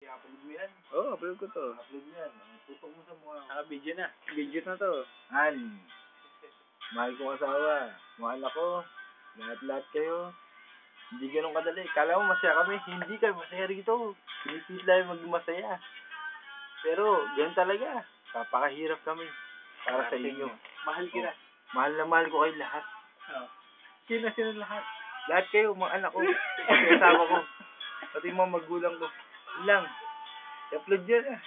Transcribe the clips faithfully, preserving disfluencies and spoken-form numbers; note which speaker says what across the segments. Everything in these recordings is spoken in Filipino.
Speaker 1: I-upload mo yan.
Speaker 2: Oo, oh, upload ko to.
Speaker 1: Upload mo yan. Tutok mo sa mukha.
Speaker 2: Naka-video na. Video na to.
Speaker 1: Han, mahal kong asawa, mahal ako, lahat-lahat kayo. Hindi ganun kadali. Kala mo masaya kami, hindi kami masaya rito. Pinipilit lang maging masaya. Pero, ganun talaga. Papakahirap kami para sa inyo.
Speaker 2: Mahal kita.
Speaker 1: Oh, mahal na mahal ko kayo lahat.
Speaker 2: Oh. Sino sino lahat?
Speaker 1: Lahat kayo, mga anak ko, mga asawa ko, pati mga magulang ko. Yun lang. I-upload yun ah.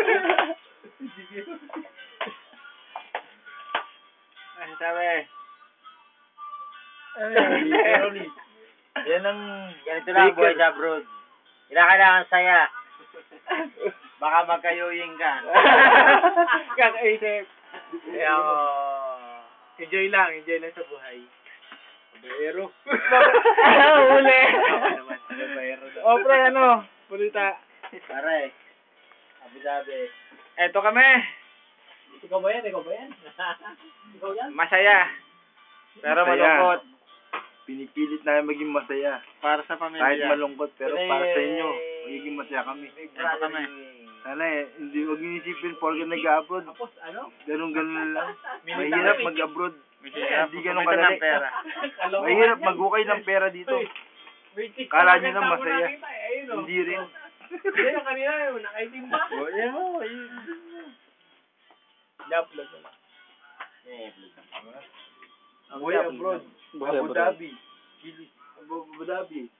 Speaker 2: Ano sabi?
Speaker 1: Ay, yan ang
Speaker 3: Ganito lang buhay sa abroad. Kailangan saya. Baka magkayuying ka.
Speaker 2: Kakaisip. Kaya ako, enjoy lang, enjoy lang sa buhay.
Speaker 1: Baero.
Speaker 2: Uli.
Speaker 1: Baero daw.
Speaker 2: O, pre, ano? Pulita.
Speaker 3: Pare. Sabi-sabi.
Speaker 2: Eto kami.
Speaker 3: Ikaw ba yan? Ikaw ba yan? Ikaw yan?
Speaker 2: Masaya. Pero
Speaker 1: Masaya.
Speaker 2: malungkot.
Speaker 1: Pinipilit namin maging masaya.
Speaker 2: Para sa pamilya.
Speaker 1: Kahit malungkot, pero
Speaker 3: Pinay-
Speaker 1: para sa inyo, magiging masaya kami.
Speaker 2: Eto kami.
Speaker 1: Sana eh, hindi wag niyo isipin porke nag-abroad.
Speaker 3: Tapos ano?
Speaker 1: Ganun-ganun lang. Mahirap mag-abroad.
Speaker 2: Mahirap.
Speaker 1: Hindi ganun
Speaker 2: Kumita
Speaker 1: kadali.
Speaker 2: ng pera.
Speaker 1: Mahirap mag-ukay ng pera dito. Kala nyo na masaya. Hindi rin.
Speaker 3: Hindi yung kanina yun. Nakaitim ba?
Speaker 1: O, yan mo. Ayun.
Speaker 2: I-upload mo lang.
Speaker 3: Eh,
Speaker 1: Ang way abroad. Abu Dhabi. Abu Dhabi.